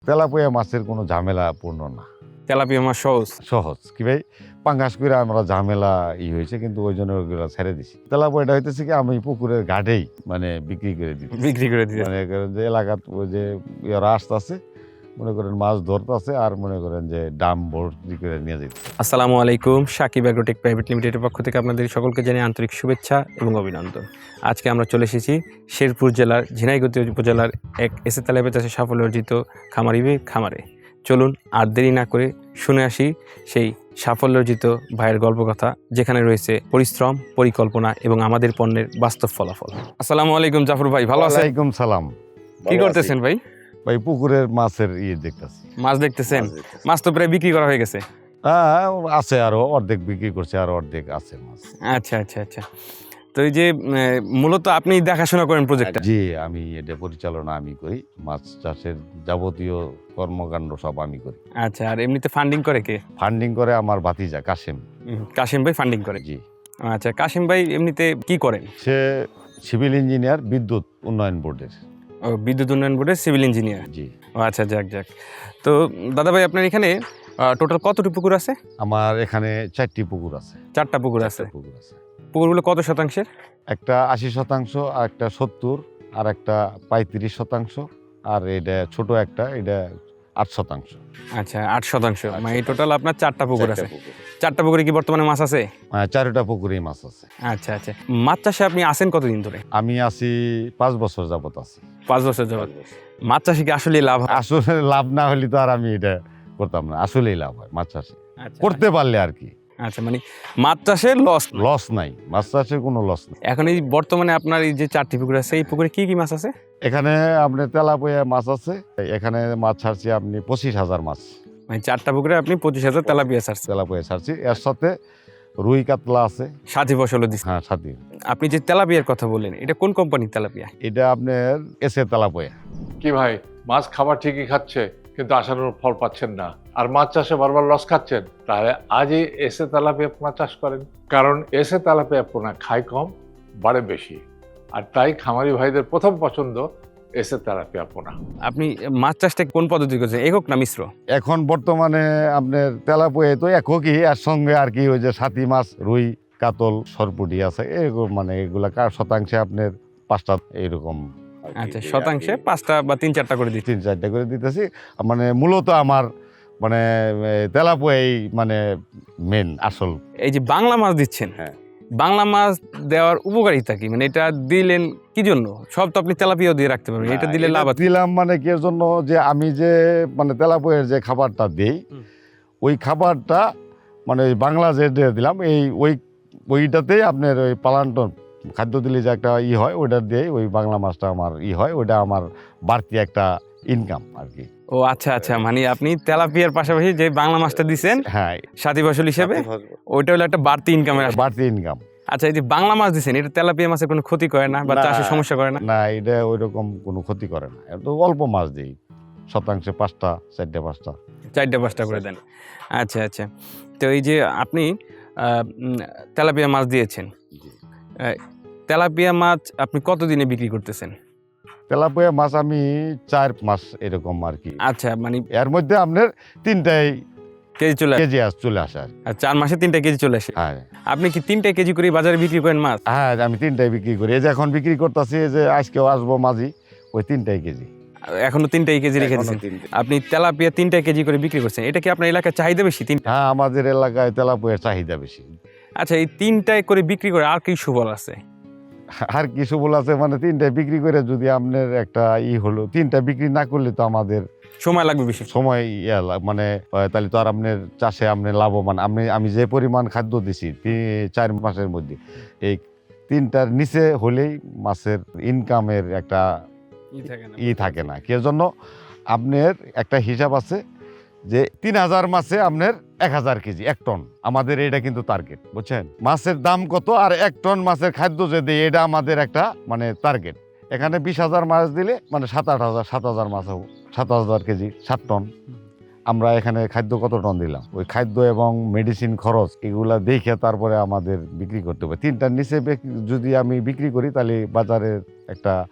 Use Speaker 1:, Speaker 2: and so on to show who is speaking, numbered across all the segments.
Speaker 1: Tilapia মাছের কোনো ঝামেলাপূর্ণ না,
Speaker 2: তেলাপিয়া মাছ সহজ।
Speaker 1: সহজ কি ভাই, পাঙ্গাস করে আমরা ঝামেলা হয়েছে কিন্তু ওই জন্য ওগুলো ছেড়ে দিছি। তেলাপিয়াটা হইতেছে কি আমি পুকুরের ঘাটেই মানে বিক্রি করে দিই,
Speaker 2: বিক্রি করে দিতে।
Speaker 1: মনে করেন যে এলাকাত ওই যে রাস্তা আছে, মনে করেন মাছ ধরতেছে আর মনে করেন যে ডাম ভর্তি করে নিয়ে যেতে।
Speaker 2: আসসালামু আলাইকুম, সাকিব অ্যাগ্রোটেক প্রাইভেট লিমিটেডের পক্ষ থেকে আপনাদের সকলকে জানিয়ে আন্তরিক শুভেচ্ছা এবং অভিনন্দন। আজকে আমরা চলে এসেছি শেরপুর জেলার ঝিনাইগাতী উপজেলার এক এসে তেলাপিয়া চাষে সাফল্য অর্জিত খামারে। চলুন আর দেরি না করে শুনে আসি সেই সাফল্য অর্জিত ভাইয়ের গল্প কথা, যেখানে রয়েছে পরিশ্রম, পরিকল্পনা এবং আমাদের পণ্যের বাস্তব ফলাফল। আসসালামু আলাইকুম জাফর ভাই, ভালো আছেন?
Speaker 1: ওয়ালাইকুম সালাম।
Speaker 2: কি করতেছেন ভাই?
Speaker 1: ভাই পুকুরের মাছের দেখতেছি।
Speaker 2: মাছ দেখতেছেন? মাছ তো প্রায় বিক্রি করা হয়ে গেছে।
Speaker 1: হ্যাঁ আছে, আরো অর্ধেক বিক্রি করছে, আরো অর্ধেক আছে মাছ।
Speaker 2: আচ্ছা। তো এই যে মূলত আপনি দেখাশোনা করেন প্রজেক্টটা?
Speaker 1: জি, আমি এটা পরিচালনা আমি করি, মাছ চাষের যাবতীয় কর্মকাণ্ড সব আমি করি।
Speaker 2: আচ্ছা, আর এমনিতে ফান্ডিং করে কে?
Speaker 1: ফান্ডিং করে আমার ভাতিজা কাশেম।
Speaker 2: কাশিম ভাই ফান্ডিং করে?
Speaker 1: জি।
Speaker 2: আচ্ছা, কাশিম ভাই এমনিতে কি করেন?
Speaker 1: সে সিভিল ইঞ্জিনিয়ার, বিদ্যুৎ উন্নয়ন বোর্ডের।
Speaker 2: ও, বিদ্যুৎ উন্নয়ন বোর্ডের সিভিল ইঞ্জিনিয়ার।
Speaker 1: জি।
Speaker 2: ও আচ্ছা, যাক। তো দাদা ভাই, আপনার এখানে টোটাল কতটি পুকুর আছে?
Speaker 1: আমার এখানে 4টি পুকুর আছে।
Speaker 2: 4টা পুকুর আছে।
Speaker 1: পুকুর আছে।
Speaker 2: পুকুরগুলো কত শতাংশের?
Speaker 1: একটা 80%, আর একটা 70, আর একটা 35%, আর এটা ছোট একটা, এটা 8%।
Speaker 2: আচ্ছা, 8%। মানে এই টোটাল আপনার 4টা পুকুর আছে। 4টা পুকুরে কি বর্তমানে মাছ আছে?
Speaker 1: 4টা পুকুরেই মাছ আছে।
Speaker 2: আচ্ছা। মাছ চাষে আপনি আছেন কতদিন ধরে?
Speaker 1: আমি আছি 5 বছর যাবত আছি।
Speaker 2: 5 বছর যাবত। মাছ চাষে কি আসলে লাভ হয়?
Speaker 1: আসলে লাভ না হলে তো আর আমি এটা করতাম না। আসলেই লাভ হয় মাছ চাষে,
Speaker 2: আচ্ছা,
Speaker 1: করতে পারলে আর কি।
Speaker 2: আচ্ছা, মানে মাছ চাষের
Speaker 1: লস নাই, মাছ চাষের কোনো লস নাই।
Speaker 2: এখন এই বর্তমানে আপনার এই যে 4টি পুকুর আছে, এই পুকুরে কি মাছ আছে?
Speaker 1: এখানে আপনার তেলাপিয়া মাছ আছে, এখানে মাছ ছাড়ছি আপনি 25,000 মাছ।
Speaker 2: মানে 4টা পুকুরে আপনি 25,000 তেলাপিয়া ছাড়ছেন?
Speaker 1: তেলাপিয়া ছাড়ছি, এর সাথে রুই কাতলা আছে।
Speaker 2: সাথী ফসলও দিচ্ছেন?
Speaker 1: হ্যাঁ, সাথে।
Speaker 2: আপনি যে তেলাপিয়ার কথা বললেন, এটা কোন কোম্পানির তেলাপিয়া?
Speaker 1: এটা আপনার এসে তেলাপিয়া।
Speaker 3: কি ভাই, মাছ খাবার ঠিকই খাচ্ছে কিন্তু আশানুরূপ ফল পাচ্ছেন না, আর মাছ চাষে বারবার লস খাচ্ছেন? তাহলে আজই এসে তেলাপিয়া পোনা চাষ করেন, কারণ এসে তেলাপিয়া পোনা খায় কম, বাড়ে বেশি, আর তাই খামারি ভাইদের প্রথম পছন্দ এসে তেলাপিয়া পোনা।
Speaker 2: আপনি মাছ চাষটা কোন পদ্ধতি করছেন, একক না মিশ্র?
Speaker 1: এখন বর্তমানে আপনার তেলাপিয়া তো একই, এর সঙ্গে আর কি ওই যে সাথী মাছ, রুই, কাতল, সরপুটি আছে এরকম, মানে এগুলা শতাংশে আপনার 5টা এরকম।
Speaker 2: আচ্ছা, শতাংশে 5টা বা 3-4টা করে দিচ্ছেন?
Speaker 1: 3-4টা করে দিতেছি। মানে মূলত আমার মানে তেলাপিয়াই মানে মেন আসল।
Speaker 2: এই যে বাংলা মাছ দিচ্ছেন,
Speaker 1: হ্যাঁ।
Speaker 2: বাংলা মাছ দেওয়ার উপকারিতা কি? মানে এটা দিলেন কি জন্য? সব তো আপনি তেলাপিয়াও দিয়ে রাখতে পারবেন, এটা দিলে লাভ আছে?
Speaker 1: দিলাম মানে কি এর জন্য, যে আমি যে মানে তেলাপিয়ার যে খাবারটা দিই, ওই খাবারটা মানে ওই বাংলা যে দিলাম, ওইটাতেই আপনার ওই পালান্টন খাদ্য দিলে যে একটা হয়, ওইটা দিয়ে ওই বাংলা মাছটা আমার হয়, ওইটা আমার বাড়তি একটা ইনকাম আর কি।
Speaker 2: ও আচ্ছা, মানে আপনি তেলাপিয়ার পাশাপাশি যে বাংলা মাছটা দিচ্ছেন,
Speaker 1: হ্যাঁ,
Speaker 2: সাথী ফসল হিসেবে, ওইটা হলো একটা বাড়তি ইনকামের।
Speaker 1: বাড়তি ইনকাম।
Speaker 2: আচ্ছা, এই যে বাংলা মাছ দিচ্ছেন, এটা তেলাপিয়া মাছের কোনো ক্ষতি করে না বা চাষে সমস্যা করে না?
Speaker 1: না, এটা ওই রকম কোনো ক্ষতি করে না, এত অল্প মাছ দিই, শতাংশে 5টা, 4টা
Speaker 2: 4টা-5টা করে দেন। আচ্ছা। তো এই যে আপনি তেলাপিয়া মাছ দিয়েছেন, তেলাপিয়া মাছ আপনি কতদিনে বিক্রি করতেছেন?
Speaker 1: তেলাপিয়া মাছ আমি 4 মাস এরকম আর কি।
Speaker 2: আচ্ছা, মানে
Speaker 1: এর মধ্যে আপনার 3টাই
Speaker 2: কেজি
Speaker 1: চলে আসে আর কি।
Speaker 2: আর 4 মাসে 3টা কেজি চলে আসে?
Speaker 1: হ্যাঁ।
Speaker 2: আপনি কি 3টা কেজি করে বাজারে বিক্রি করেন মাছ?
Speaker 1: হ্যাঁ, আমি 3টাই বিক্রি করি। এই যে এখন বিক্রি করতেছি, যে আজকেও আসবো মাঝি, ওই 3টাই কেজি।
Speaker 2: এখনো 3টাই কেজি রেখে দিচ্ছেন? আপনি তেলাপিয়া 3টা কেজি করে বিক্রি করছেন, এটা কি আপনার এলাকায় চাহিদা বেশি? 3টা?
Speaker 1: হ্যাঁ, আমাদের এলাকায় তেলাপিয়ার চাহিদা বেশি।
Speaker 2: আচ্ছা, এই 3টায় করে বিক্রি করে আর কি সুফল আছে?
Speaker 1: আর কিছু বল আছে, মানে 3টায় বিক্রি করে যদি আপনার একটা হলো, 3টা বিক্রি না করলে তো আমাদের
Speaker 2: সময় লাগবে বেশি।
Speaker 1: সময় মানে তাহলে তো আর আপনার চাষে আপনার লাভবান, আমি যে পরিমাণ খাদ্য দিছি 4 মাসের মধ্যে, এই 3টার নিচে হলেই মাছের ইনকামের একটা থাকে না। কি জন্য আপনার একটা হিসাব আছে যে 3000 মাছে আপনার 1000 কেজি, 1 টন। আমাদের এটা কিন্তু টার্গেট, বুঝছেন? মাছের দাম কত, আর 1 টন মাছের খাদ্য যে দেয়, এটা আমাদের একটা মানে টার্গেট। এখানে 20,000 মাছ দিলে মানে 7,000 মাছ হবো, 7,000 কেজি, 7 টন। আমরা এখানে খাদ্য কত টন দিলাম, ওই খাদ্য এবং মেডিসিন খরচ এগুলা দেখে তারপরে আমাদের বিক্রি করতে হবে। 3টার নিচে যদি আমি বিক্রি করি, তাহলে বাজারের একটা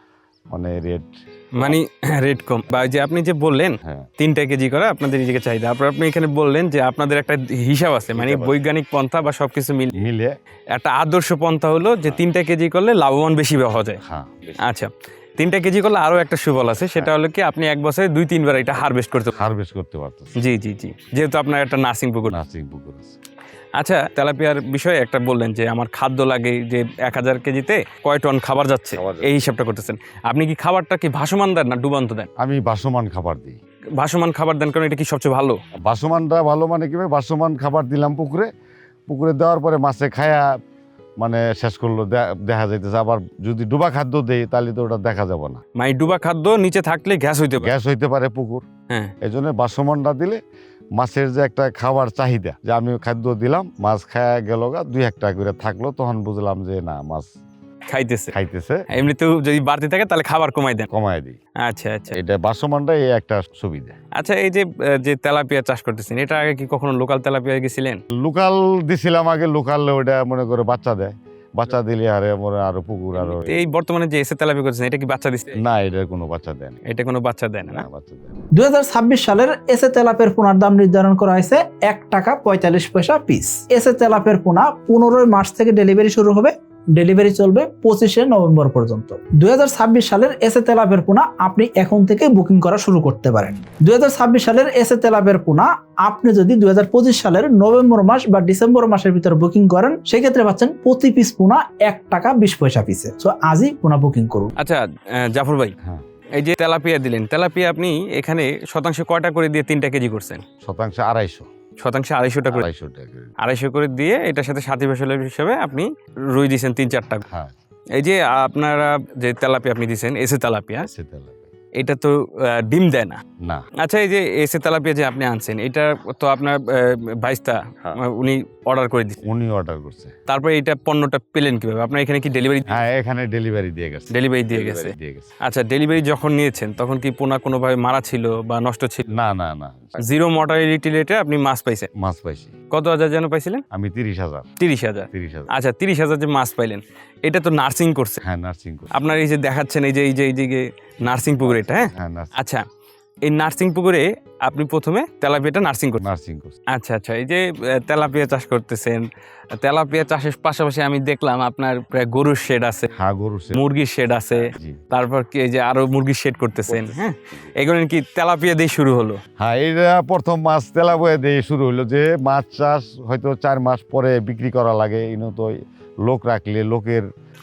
Speaker 1: মানে রেট।
Speaker 2: মানে রেট কম, বা ওই যে আপনি যে বললেন
Speaker 1: হ্যাঁ
Speaker 2: 3 কেজি করে আপনাদের দিকে চাহিদা, তারপর আপনি এখানে বললেন যে আপনাদের একটা হিসাব আছে, মানে
Speaker 1: হিসাব আছে।
Speaker 2: বৈজ্ঞানিক পন্থা বা সবকিছু মিলে
Speaker 1: মিলে।
Speaker 2: একটা আদর্শ পন্থা হলো যে 3টা কেজি করলে লাভবান বেশি হওয়া যায়।
Speaker 1: হ্যাঁ
Speaker 2: আচ্ছা, 3টা কেজি করলে আরো একটা সুফল আছে, সেটা হলো কি আপনি এক বছরে 2-3 বার এটা হারভেস্ট করতে পারবেন।
Speaker 1: হারভেস্ট করতে পারতেছে।
Speaker 2: জি জি জি, যেহেতু আপনার একটা নার্সিং পুকুর।
Speaker 1: নার্সিং পুকুর আছে।
Speaker 2: আচ্ছা, তেলাপিয়ার বিষয়ে একটা বললেন যে আমার খাদ্য লাগে, যে 1000 কেজিতে কয় টন খাবার যাচ্ছে
Speaker 1: খাবার যাচ্ছে।
Speaker 2: এই হিসাবটা করতেছেন। আপনি কি খাবারটা কি ভাসমান দেন না ডুবান্ত দেন?
Speaker 1: আমি ভাসমান খাবার দিই।
Speaker 2: ভাসমান খাবার দেন কারণ এটা কি সবচেয়ে ভালো?
Speaker 1: ভাসমানটা ভালো মানে কি ভাসমান খাবার দিলাম পুকুরে, পুকুরে দেওয়ার পরে মাছে খায়া মানে শেষ করলো, দেখা যাইতেছে। আবার যদি ডুবা খাদ্য দেই তাহলে তো ওটা দেখা যাবে না,
Speaker 2: মানে ডুবা খাদ্য নিচে থাকলে গ্যাস হইতে পারে।
Speaker 1: গ্যাস হইতে পারে পুকুর।
Speaker 2: হ্যাঁ,
Speaker 1: এই জন্য ভাসমানটা দিলে মাছের যে একটা খাবার চাহিদা, যে আমি খাদ্য দিলাম মাছ খায়া গেল গা, 2-1টা করে থাকলো, তখন বুঝলাম যে না মাছ
Speaker 2: খাইতেছে।
Speaker 1: খাইতেছে,
Speaker 2: এমনিতেও যদি বাড়তি থাকে তাহলে খাবার কমাই দেন।
Speaker 1: কমায় দিই।
Speaker 2: আচ্ছা আচ্ছা
Speaker 1: এটা ভাসমানটা এই একটা সুবিধা।
Speaker 2: আচ্ছা, এই যে তেলাপিয়া চাষ করতেছেন, এটা আগে কি কখনো লোকাল তেলাপিয়া গেছিলেন?
Speaker 1: লোকাল দিছিলাম আগে, লোকাল ওটা মনে করে বাচ্চা দেয়, বাচ্চা দিলে আরো পুকুর আরো।
Speaker 2: এই বর্তমানে যে এসে তেলাপিয়া করতেছেন, এটা কি বাচ্চা দিচ্ছে?
Speaker 1: না, এটার কোনো বাচ্চা দেয় না।
Speaker 2: এটা কোনো বাচ্চা দেয় না, না?
Speaker 1: বাচ্চা দেয় না।
Speaker 4: 2026 সালের এসে তেলাপের পোনার দাম নির্ধারণ করা হয়েছে 1 টাকা 45 পয়সা পিস। এসে তেলাপের পোনা 15 মার্চ থেকে ডেলিভারি শুরু হবে, ডেলিভারি চলবে 25 নভেম্বর পর্যন্ত। 2026 সালের এসে তেলাপের পোনা আপনি এখন থেকে বুকিং করা শুরু করতে পারেন। 2026 সালের এসে তেলাপের পোনা আপনি যদি 2025 সালের নভেম্বর মাস বা ডিসেম্বর মাসের ভিতরে বুকিং করেন, সেক্ষেত্রে পাচ্ছেন প্রতি পিস পোনা 1 টাকা 20 পয়সা পিসে। সো আজই পোনা বুকিং করুন।
Speaker 2: আচ্ছা জাফর ভাই,
Speaker 1: হ্যাঁ,
Speaker 2: এই যে তেলাপিয়া দিলেন, তেলাপিয়া আপনি এখানে শতাংশে কয়টা করে দিয়ে 3টা কেজি করছেন?
Speaker 1: শতাংশে 250।
Speaker 2: শতাংশে 250টা করে।
Speaker 1: 250 টাকা।
Speaker 2: 250 করে দিয়ে এটার সাথে সাথী ফসলের হিসেবে আপনি রুই দিয়েছেন 3-4টা।
Speaker 1: হ্যাঁ,
Speaker 2: এই যে আপনারা যে তেলাপিয়া আপনি দিয়েছেন এসে তেলাপিয়া,
Speaker 1: সেটা লাগে।
Speaker 2: এটা তো ডিম দেয় না।
Speaker 1: না।
Speaker 2: আচ্ছা, এই যে এসে তেলাপিয়া যে আপনি আনছেন, এটা তো আপনার ভাইস্তা
Speaker 1: হ্যাঁ।
Speaker 2: উনি অর্ডার করে দিচ্ছেন,
Speaker 1: উনি অর্ডার করছে।
Speaker 2: তারপরে এটা পণ্যটা পেলেন কিভাবে? আপনার এখানে কি ডেলিভারি
Speaker 1: হ্যাঁ, এখানে ডেলিভারি দিয়ে গেছে।
Speaker 2: ডেলিভারি দিয়ে গেছে?
Speaker 1: দিয়ে গেছে।
Speaker 2: আচ্ছা, ডেলিভারি যখন নিয়েছেন তখন কি পোনা কোনোভাবে মারা ছিল বা নষ্ট ছিল?
Speaker 1: না না না,
Speaker 2: জিরো মর্টালিটি রেটে আপনি মাছ পাইছেন।
Speaker 1: মাছ পাইছি
Speaker 2: কত হাজার যেন পাইছিলেন?
Speaker 1: আমি 30,000।
Speaker 2: 30,000।
Speaker 1: 30,000।
Speaker 2: আচ্ছা, 30,000 যে মাছ পাইলেন, এটা তো নার্সিং করছে।
Speaker 1: হ্যাঁ, নার্সিং করছে।
Speaker 2: আপনার এই যে দেখাচ্ছেন এই যে নার্সিং পুকুর এটা, হ্যাঁ?
Speaker 1: হ্যাঁ, নার্সিং।
Speaker 2: আচ্ছা, এই নার্সিং পুকুরে আপনি প্রথমে তেলাপিয়াটা নার্সিং করছেন।
Speaker 1: নার্সিং করছে।
Speaker 2: আচ্ছা আচ্ছা, এই যে তেলাপিয়া চাষ করতেছেন, তেলাপিয়া চাষের পাশাপাশি আমি দেখলাম আপনার প্রায় গরুর শেড আছে,
Speaker 1: হ্যাঁ, গরু সে।
Speaker 2: মুরগির শেড আছে,
Speaker 1: জি।
Speaker 2: তারপর কি এই যে আরো মুরগির শেড করতেছেন, হ্যাঁ? এগুলো কি তেলাপিয়া দিয়ে শুরু হলো?
Speaker 1: হ্যাঁ, এটা প্রথম মাছ তেলাপিয়া দিয়ে শুরু হলো। যে মাছ চাষ হয়তো 4 মাস পরে বিক্রি করা লাগে, ইনো তো লোক রাখলে লোকের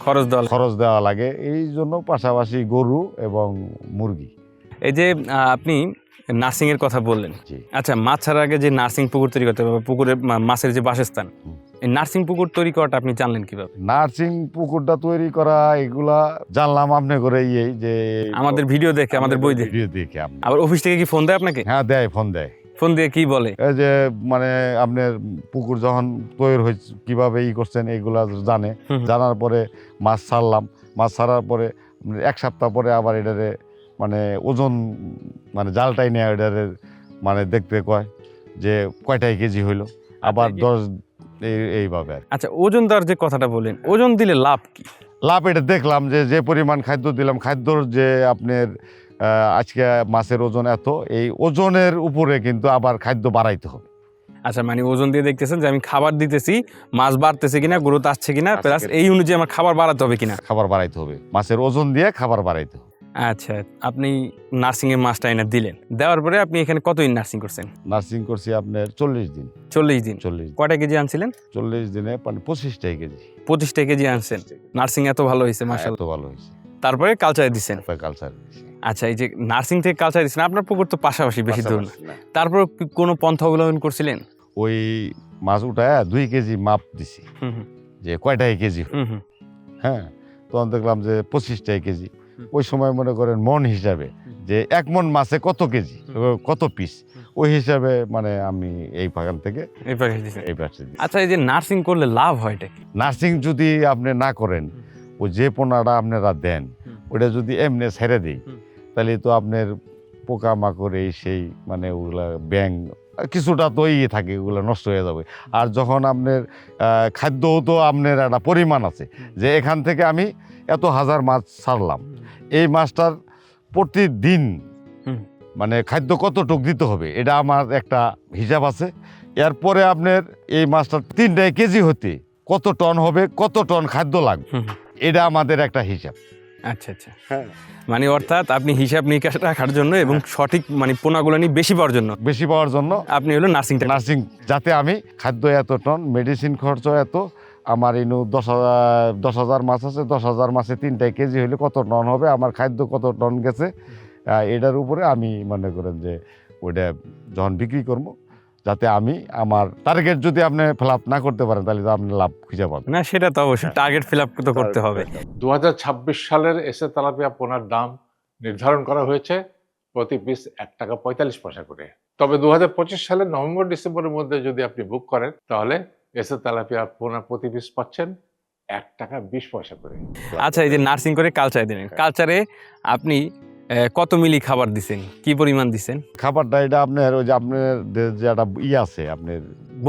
Speaker 1: খরচ দেওয়া লাগে, এই জন্য পাশাপাশি গরু এবং মুরগি।
Speaker 2: এই যে আপনি নার্সিং এর কথা বললেন,
Speaker 1: জি।
Speaker 2: আচ্ছা, মাছ ছাড়ার আগে যে নার্সিং পুকুর তৈরি করতে হবে, পুকুরে মাছের যে বাসস্থান, এই নার্সিং পুকুর তৈরি করাটা আপনি জানলেন কিভাবে?
Speaker 1: নার্সিং পুকুরটা তৈরি করা এগুলা জানলাম আপনি করে যে
Speaker 2: আমাদের ভিডিও দেখে, আমাদের বই দেখে।
Speaker 1: ভিডিও দেখে আপনি।
Speaker 2: আবার অফিস থেকে কি ফোন দেয় আপনাকে?
Speaker 1: হ্যাঁ, দেয়, ফোন দেয়।
Speaker 2: ফোন দিয়ে কি বলে?
Speaker 1: এই যে মানে আপনার পুকুর যখন তৈরি হয়েছে কিভাবে করছেন এগুলা জানে।
Speaker 2: হুম।
Speaker 1: জানার পরে মাছ ছাড়লাম, মাছ ছাড়ার পরে 1 সপ্তাহ পরে আবার এটারে মানে ওজন মানে জালটাই নেয়, এটারে মানে দেখতে কয় যে কয়টাই কেজি হইলো, আবার 10 এইভাবে আর কি।
Speaker 2: আচ্ছা, ওজন দেওয়ার যে কথাটা বলেন, ওজন দিলে লাভ কি?
Speaker 1: লাভ এটা দেখলাম যে পরিমাণ খাদ্য দিলাম, খাদ্যর যে আপনার আজকে মাছের ওজন এত, এই ওজনের উপরে কিন্তু আবার খাদ্য বাড়াইতে হবে।
Speaker 2: আচ্ছা, মানে ওজন দিয়ে দেখতেছেন যে আমি খাবার দিতেছি, মাছ বাড়তেছে কিনা, গ্রোথ আসছে কিনা, প্লাস এই অনুযায়ী আমার খাবার বাড়াতে হবে কিনা।
Speaker 1: খাবার বাড়াইতে হবে, মাছের ওজন দিয়ে খাবার বাড়াইতে হবে।
Speaker 2: আচ্ছা, আপনি নার্সিং এর মাছটা এনে দিলেন, দেওয়ার পরে আপনি এখানে কতদিন নার্সিং করছেন?
Speaker 1: নার্সিং করছি আপনার 40 দিন।
Speaker 2: 40 দিন।
Speaker 1: 40
Speaker 2: কয়টা কেজি আনছিলেন?
Speaker 1: 40 দিনে মানে 25টা কেজি।
Speaker 2: 25টা কেজি আনছেন। নার্সিং এত ভালো হয়েছে মাশাআল্লাহ।
Speaker 1: এত ভালো হয়েছে।
Speaker 2: তারপরে কালচারে দিচ্ছেন।
Speaker 1: কালচার।
Speaker 2: আচ্ছা, এই যে নার্সিং থেকে কালচারে দিচ্ছেন, আপনার পুকুর তো পাশাপাশি, বেশি দূর না, তারপর কোনো পন্থা অবলম্বন করছিলেন?
Speaker 1: ওই মাছ উঠায় 2 কেজি মাপ দিছি,
Speaker 2: হুম হুম
Speaker 1: যে কয়টাই কেজি।
Speaker 2: হুম হুম।
Speaker 1: হ্যাঁ, তখন দেখলাম যে 25টাই কেজি। ওই সময় মনে করেন মন হিসাবে যে 1 মন মাছে কত কেজি, কত পিস, ওই হিসাবে মানে আমি এই বাগান থেকে
Speaker 2: এই পাশে দিছেন।
Speaker 1: এই পাশে দিই।
Speaker 2: আচ্ছা, এই যে নার্সিং করলে লাভ হয়টা কি?
Speaker 1: নার্সিং যদি আপনি না করেন, ওই যে পোনাটা আপনারা দেন ওটা যদি এমনি ছেড়ে দিই, তাহলে তো আপনার পোকামাকড় এই সেই মানে ওগুলা ব্যাং কিছুটা তো থাকে, ওগুলো নষ্ট হয়ে যাবে। আর যখন আপনার খাদ্যও তো আপনার একটা পরিমাণ আছে, যে এখান থেকে আমি এত হাজার মাছ ছাড়লাম, এই মাছটার প্রতিদিন
Speaker 2: হুম।
Speaker 1: মানে খাদ্য কতটুক দিতে হবে এটা আমার একটা হিসাব আছে। এরপরে আপনার এই মাছটার 3 কেজি হতে কত টন হবে, কত টন খাদ্য লাগবে,
Speaker 2: হুম।
Speaker 1: এটা আমাদের একটা হিসাব।
Speaker 2: আচ্ছা আচ্ছা, মানে অর্থাৎ আপনি হিসাব নিকাশ রাখার জন্য এবং সঠিক মানে পোনাগুলো নিয়ে বেশি পাওয়ার জন্য
Speaker 1: বেশি পাওয়ার জন্য
Speaker 2: আপনি হলো নার্সিংটা
Speaker 1: নার্সিং, যাতে আমি খাদ্য এত টন, মেডিসিন খরচ এত, আমার ইনু 10,000 মাছ আছে, 10,000 মাছে 3 কেজি হলে কত টন হবে, আমার খাদ্য কত টন গেছে, এটার উপরে আমি মনে করেন যে ওইটা যখন বিক্রি করবো, যাতে আমি আমার টার্গেট যদি আপনি ফিল আপ না করতে পারেন তাহলে তো আপনি লাভ খুঁজে পাবেন
Speaker 2: না, সেটা তো অবশ্যই টার্গেট ফিল আপ তো করতে হবে।
Speaker 3: 2026 সালের এসে তেলাপিয়া পোনার দাম নির্ধারণ করা হয়েছে প্রতি পিস 1 টাকা 45 পয়সা করে। তবে 2025 সালের নভেম্বর ডিসেম্বরের মধ্যে যদি আপনি বুক করেন তাহলে এসে তেলাপিয়া পোনা প্রতি পিস পাচ্ছেন 1 টাকা 20 পয়সা করে।
Speaker 2: আচ্ছা, এই যে নার্সিং করে কালচারে দিলেন, কালচারে আপনি কত মিলি খাবার দিছেন, কি পরিমাণ দিছেন?
Speaker 1: খাবারটা এটা আপনার ওই যে আপনার যে একটা আছে, আপনার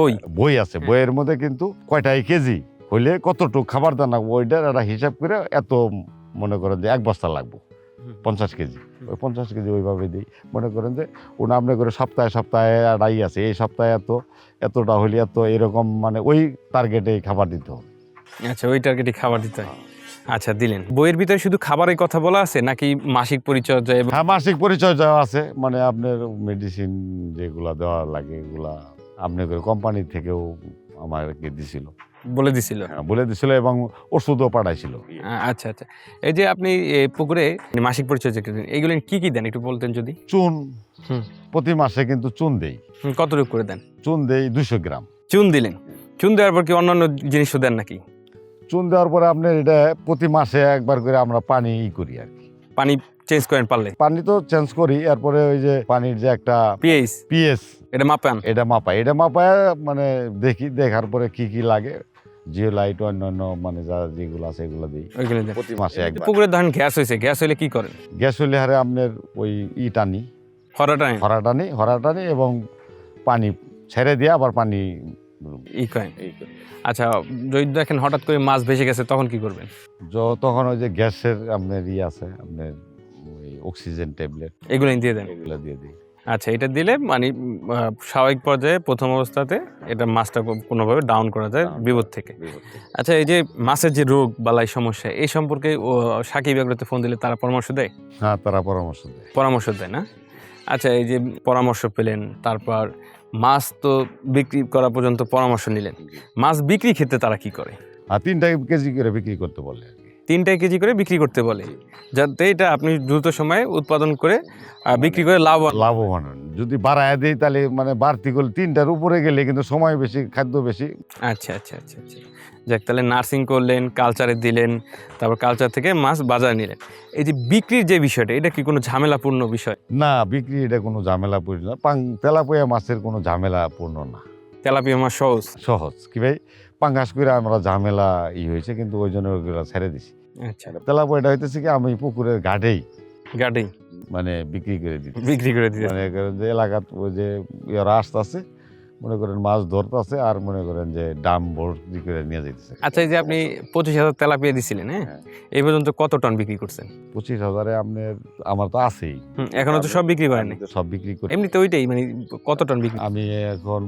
Speaker 1: বই আছে, বইয়ের মধ্যে কিন্তু কয়টাই কেজি হইলে কতটুকু খাবার দানা, ওইটার একটা হিসাব করে এত মনে করেন যে 1 বস্তা লাগবে 50 কেজি, ওই 50 কেজি ওইভাবে দিই। মনে করেন যে ওনা আপনি করে সপ্তাহে সপ্তাহে একটা আছে, এই সপ্তাহে এতটা হইলে এত, এরকম মানে ওই টার্গেটে খাবার দিতে হবে।
Speaker 2: আচ্ছা, ওই টার্গেটে খাবার দিতে হয়। আচ্ছা, দিলেন। বইয়ের ভিতরে শুধু খাবারের কথা বলা আছে নাকি মাসিক পরিচর্যা এবং
Speaker 1: হ্যাঁ, মাসিক পরিচয় দেওয়া আছে, মানে আপনার মেডিসিন যেগুলা দেওয়া লাগে এগুলা আপনি করে কোম্পানি থেকেও আমাকে দিছিল,
Speaker 2: বলে দিছিল?
Speaker 1: বলে দিছিল এবং ওষুধও পাঠাইছিল।
Speaker 2: আচ্ছা আচ্ছা, এই যে আপনি পুকুরে মাসিক পরিচর্যা করেন, এগুলো কি কি দেন একটু বলতেন যদি?
Speaker 1: চুন,
Speaker 2: হুম।
Speaker 1: প্রতি মাসে কিন্তু চুন দেই।
Speaker 2: কতটুকু করে দেন?
Speaker 1: চুন দেই 200 গ্রাম।
Speaker 2: চুন দিলেন, চুন দেওয়ার পর কি অন্যান্য জিনিসও দেন নাকি?
Speaker 1: চুন দেওয়ার পরে আপনার এটা প্রতি মাসে একবার করে আমরা পানি করি আর কি।
Speaker 2: পানি চেঞ্জ করেন পারলে?
Speaker 1: পানি তো চেঞ্জ করি, এরপরে ওই যে পানির যে একটা পিএইচ
Speaker 2: এটা মাপান?
Speaker 1: এটা মাপায় মানে দেখার পরে কি কি লাগে, জিওলাইট অন্যান্য মানে যেগুলো আছে এগুলো দিই
Speaker 2: ওইগুলো দেন
Speaker 1: প্রতি মাসে একবার।
Speaker 2: পুকুরে ধরেন গ্যাস হয়েছে, গ্যাস হইলে কি করেন?
Speaker 1: গ্যাস হইলে হারে আপনার ওই টানি, হরা টানি এবং পানি ছেড়ে দিয়ে আবার পানি
Speaker 2: করেন। আচ্ছা, যদি দেখেন হঠাৎ করে মাছ ভেসে গেছে তখন কি করবেন?
Speaker 1: তখন ওই যে গ্যাসের আপনার আছে, আপনার ওই অক্সিজেন ট্যাবলেট
Speaker 2: এগুলো দিয়ে দেন?
Speaker 1: এগুলো দিয়ে দিই।
Speaker 2: আচ্ছা, এটা দিলে মানে স্বাভাবিক পর্যায়ে প্রথম অবস্থাতে এটা মাছটা কোনোভাবে ডাউন করা যায় বিপদ থেকে। আচ্ছা, এই যে মাছের যে রোগ বালাই সমস্যা এই সম্পর্কে সাকিব এগ্রোতে ফোন দিলে তারা পরামর্শ দেয়?
Speaker 1: হ্যাঁ, তারা পরামর্শ দেয়
Speaker 2: না? আচ্ছা, এই যে পরামর্শ পেলেন, তারপর মাছ তো বিক্রি করা পর্যন্ত পরামর্শ নিলেন, মাছ বিক্রি ক্ষেত্রে তারা কি করে?
Speaker 1: 3 কেজি করে বিক্রি করতে বলে আর কি।
Speaker 2: 3 কেজি করে বিক্রি করতে বলে, যাতে এটা আপনি দ্রুত সময়ে উৎপাদন করে বিক্রি করে
Speaker 1: লাভবান হন। যদি বাড়ায় দেয় তাহলে মানে বাড়তি করলে 3টার উপরে গেলে কিন্তু সময় বেশি, খাদ্য বেশি।
Speaker 2: আচ্ছা আচ্ছা আচ্ছা আচ্ছা, যাক, তাহলে নার্সিং করলেন, কালচারে দিলেন, তারপর কালচার থেকে মাছ বাজারে নিলেন। এই যে বিক্রির যে বিষয়টা, এটা কি কোনো ঝামেলাপূর্ণ বিষয়?
Speaker 1: না, বিক্রি এটা কোনো ঝামেলাপূর্ণ না। তেলাপিয়া মাছের কোনো ঝামেলাপূর্ণ না,
Speaker 2: তেলাপিয়া মাছ
Speaker 1: সহজ। কি ভাই, পাঙ্গাস করে আমরা ঝামেলা হয়েছে, কিন্তু ওই জন্য ওগুলো ছেড়ে দিছি।
Speaker 2: আচ্ছা,
Speaker 1: তেলাপিয়াটা হইতেছে কি আমি পুকুরের ঘাটেই
Speaker 2: গাড়ি
Speaker 1: মানে বিক্রি করে দিই, মনে করেন যে এলাকাত ওই যে ইয়ারা আসতেছে, মনে করেন মাছ ধরতেছে আর মনে করেন যে ডাম ভর্তি করে নিয়ে যাইতেছে।
Speaker 2: আচ্ছা, এই যে আপনি 25,000 তেলাপিয়া দিছিলেন, হ্যাঁ, এই পর্যন্ত কত টন বিক্রি করছেন?
Speaker 1: 25,000-এ আমার তো আছেই।
Speaker 2: এখনো তো সব বিক্রি করেন?
Speaker 1: সব বিক্রি করি।
Speaker 2: এমনিতে ওইটাই মানে কত টন বিক্রি?
Speaker 1: আমি এখন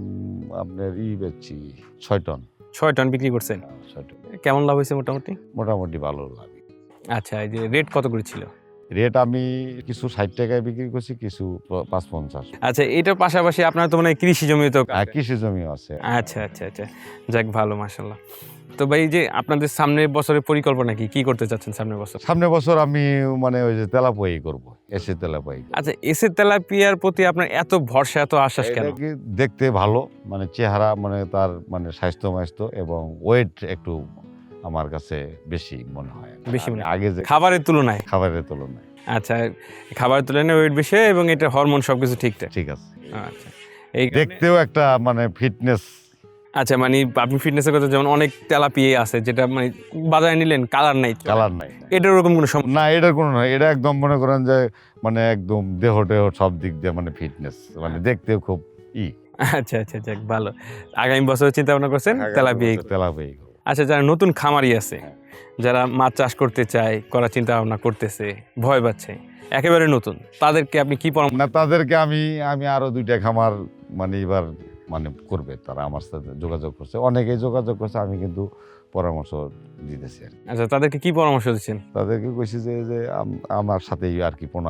Speaker 1: আপনার বেচছি 6 টন।
Speaker 2: 6 টন বিক্রি করছেন?
Speaker 1: 6 টন।
Speaker 2: কেমন লাভ হয়েছে মোটামুটি?
Speaker 1: মোটামুটি ভালো লাগে।
Speaker 2: আচ্ছা, এই যে রেট কত করে ছিল?
Speaker 1: রেট আমি কিছু 60 টাকায় বিক্রি করছি, কিছু 550।
Speaker 2: আচ্ছা, এটার পাশাপাশি আপনার তো মানে কৃষি জমি তো?
Speaker 1: কৃষি জমিও আছে।
Speaker 2: আচ্ছা আচ্ছা আচ্ছা, যাক, ভালো, মাশাআল্লাহ। তো ভাই, যে আপনাদের সামনের বছরের পরিকল্পনা কি করতে চাচ্ছেন সামনের বছর?
Speaker 1: সামনের বছর আমি মানে ওই যে তেলাপিয়াই করবো, এসে তেলাপিয়াই।
Speaker 2: আচ্ছা, এসে তেলাপিয়ার প্রতি আপনার এত ভরসা, এত আশ্বাস কেন?
Speaker 1: দেখতে ভালো, মানে চেহারা, মানে তার মানে স্বাস্থ্য এবং ওয়েট একটু আমার কাছে বেশি মনে হয়,
Speaker 2: বেশি মনে
Speaker 1: আগে যে
Speaker 2: খাবারের তুলনায়?
Speaker 1: আচ্ছা,
Speaker 2: খাবারের তুলনায় ওয়েট বেশি এবং এটা হরমোন সবকিছু ঠিকঠাক?
Speaker 1: ঠিক আছে।
Speaker 2: আচ্ছা, এই
Speaker 1: দেখতেও একটা মানে ফিটনেস।
Speaker 2: আচ্ছা, মানে আপনি ফিটনেসের কথা, যেমন অনেক তেলাপিয়া আছে যেটা মানে বাজারে নিলেন কালার নাই, এটার ওরকম কোনো সমস্যা
Speaker 1: না? এটার কোনো নয়, এটা একদম মনে করেন যে মানে একদম দেহ সব দিক দিয়ে মানে ফিটনেস, মানে দেখতেও খুব
Speaker 2: আচ্ছা আচ্ছা, যাক, ভালো। আগামী বছর চিন্তা ভাবনা করছেন তেলাপিয়া?
Speaker 1: তেলাপিয়াই।
Speaker 2: আচ্ছা, যারা নতুন খামারি আছে যারা মাছ চাষ করতে চায়, করার চিন্তা ভাবনা করতেছে, ভয় পাচ্ছে, একেবারে নতুন, তাদেরকে আপনি কি পরামর্শ?
Speaker 1: না, তাদেরকে আমি আরো 2টা খামার মানে এবার মানে করবে, তারা আমার সাথে যোগাযোগ করছে, অনেকেই যোগাযোগ করছে, আমি কিন্তু পরামর্শ দিতেছি আর কি।
Speaker 2: আচ্ছা, তাদেরকে কি পরামর্শ দিচ্ছেন?
Speaker 1: তাদেরকে কইছি যে আমার সাথেই আর কি পোনা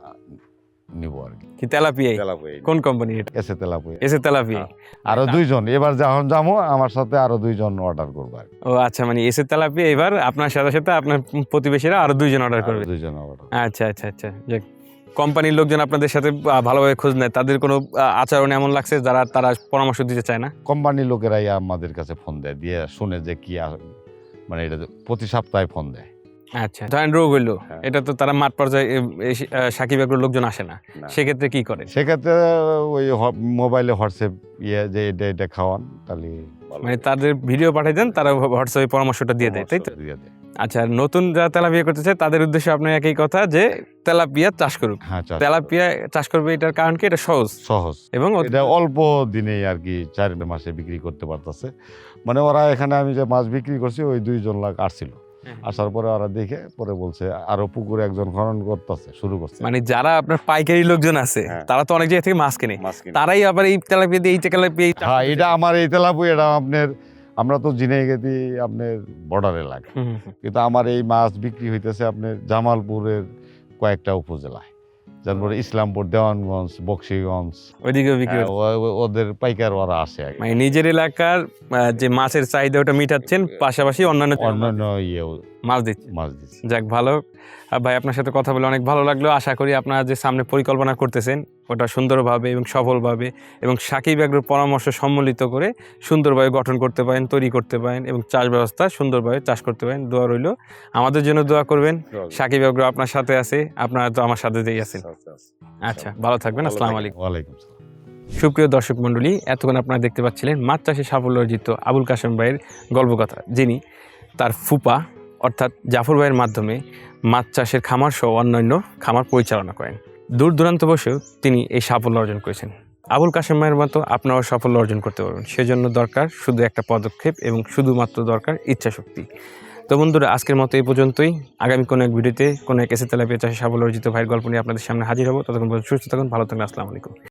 Speaker 1: নিব আর কি।
Speaker 2: কি তেলাপিয়া? কোন কোম্পানি এটা?
Speaker 1: এসে তেলাপুয়া
Speaker 2: এসে তেলাপিয়া।
Speaker 1: আরো 2জন, এবার যখন যাবো আমার সাথে আরো 2জন অর্ডার করবো আর কি।
Speaker 2: ও আচ্ছা, মানে এসে তেলাপিয়া এবার আপনার সাথে সাথে আপনার প্রতিবেশীরা আরো 2জন অর্ডার করবে।
Speaker 1: 2জন অর্ডার।
Speaker 2: আচ্ছা আচ্ছা আচ্ছা, যাক, কোম্পানির লোকজন আপনাদের সাথে ভালোভাবে খোঁজ নেয়, তাদের কোনো আচরণ এমন লাগছে তারা পরামর্শ দিতে চায় না?
Speaker 1: কোম্পানির লোকেরাই আমাদের কাছে ফোন দেয়, দিয়ে শুনে যে কি মানে এটা প্রতি সপ্তাহে ফোন দেয়।
Speaker 2: আচ্ছা, ধরেন রোগ হইলো,
Speaker 1: হ্যাঁ।
Speaker 2: এটা তো তারা মাঠ পর্যায়ে সাকিব এগ্রোর লোকজন আসে না,
Speaker 1: না।
Speaker 2: সেক্ষেত্রে কি করে?
Speaker 1: সেক্ষেত্রে ওই মোবাইলে হোয়াটসঅ্যাপ যে এটা খাওয়ান, তাহলে ভালো
Speaker 2: মানে
Speaker 1: হয়।
Speaker 2: তাদের ভিডিও পাঠিয়ে দেন, তারা হোয়াটসঅ্যাপে পরামর্শটা দিয়ে দেয়, তাই তো?
Speaker 1: দিয়ে দেয়।
Speaker 2: আচ্ছা, নতুন যারা তেলাপিয়া করতে চায় তাদের উদ্দেশ্যে আপনার একই কথা যে তেলাপিয়া চাষ করুক।
Speaker 1: হ্যাঁ,
Speaker 2: তেলাপিয়া চাষ করবে, এটার কারণ কি? এটা সহজ
Speaker 1: সহজ
Speaker 2: এবং
Speaker 1: এটা অল্প দিনেই আর কি 4 মাসে বিক্রি করতে পারতেছে। মানে ওরা এখানে আমি যে মাছ বিক্রি করছি ওই 2জন লোক আসছিল, আসার পরে ওরা দেখে পরে বলছে আরো পুকুরে একজন খনন করতেছে, শুরু করছে।
Speaker 2: মানে যারা আপনার পাইকারি লোকজন আছে,
Speaker 1: হ্যাঁ।
Speaker 2: তারা তো অনেক জায়গা থেকে মাছ কেনে,
Speaker 1: মাছ কিনে।
Speaker 2: তারাই আবার এই তেলাপিয়া দিয়ে এই তেলাপিয়া
Speaker 1: হ্যাঁ, এটা আমার এই তেলাপুয়া, এটা আমরা তো ঝিনাইগাতি আপনার বর্ডার এলাকা, কিন্তু আমার এই মাছ বিক্রি হইতেছে আপনার জামালপুরের কয়েকটা উপজেলায়, তারপরে ইসলামপুর, দেওয়ানগঞ্জ, বক্সিগঞ্জ,
Speaker 2: ওইদিকেও বিক্রি হচ্ছে।
Speaker 1: ওদের পাইকার ওরা আসে আর কি।
Speaker 2: মানে নিজের এলাকার যে মাছের চাহিদা ওটা মিটাচ্ছেন, পাশাপাশি অন্যান্য
Speaker 1: অন্যান্য
Speaker 2: মাছ দিচ্ছেন।
Speaker 1: মাছ দিচ্ছে।
Speaker 2: যাক, ভালো। ভাই, আপনার সাথে কথা বলে অনেক ভালো লাগলো। আশা করি আপনারা যে সামনে পরিকল্পনা করতেছেন ওটা সুন্দরভাবে এবং সফলভাবে এবং সাকিব এগ্রোর পরামর্শ সম্মিলিত করে সুন্দরভাবে গঠন করতে পারেন, তৈরি করতে পারেন এবং চাষ ব্যবস্থা সুন্দরভাবে চাষ করতে পারেন। দোয়া রইল, আমাদের জন্য দোয়া করবেন। সাকিব এগ্রো আপনার সাথে আছে, আপনারা তো আমার সাথে দিয়ে আছেন। আচ্ছা, ভালো থাকবেন। আসসালামু আলাইকুম।
Speaker 1: ওয়ালাইকুম আসসালাম।
Speaker 2: সুপ্রিয় দর্শক মণ্ডলী, এতক্ষণ আপনারা দেখতে পাচ্ছিলেন মাছ চাষে সাফল্য অর্জিত আবুল কাশেম ভাইয়ের গল্পকথা, যিনি তার ফুপা অর্থাৎ জাফর ভাইয়ের মাধ্যমে মাছ চাষের খামার সহ অন্যান্য খামার পরিচালনা করেন। দূর দূরান্ত বসেও তিনি এই সাফল্য অর্জন করেছেন। আবুল কাশেম ভাইয়ের মতো আপনারাও সাফল্য অর্জন করতে পারবেন, সেজন্য দরকার শুধু একটা পদক্ষেপ এবং শুধুমাত্র দরকার ইচ্ছাশক্তি। তো বন্ধুরা, আজকের মতো এই পর্যন্তই। আগামী কোনো এক ভিডিওতে কোনো এক এসে তেলাপিয়া চাষে সাফল্য অর্জিত ভাইয়ের গল্প নিয়ে আপনাদের সামনে হাজির হবো। ততক্ষণ পর্যন্ত সুস্থ থাকুন, ভালো থাকুন। আসসালামু আলাইকুম।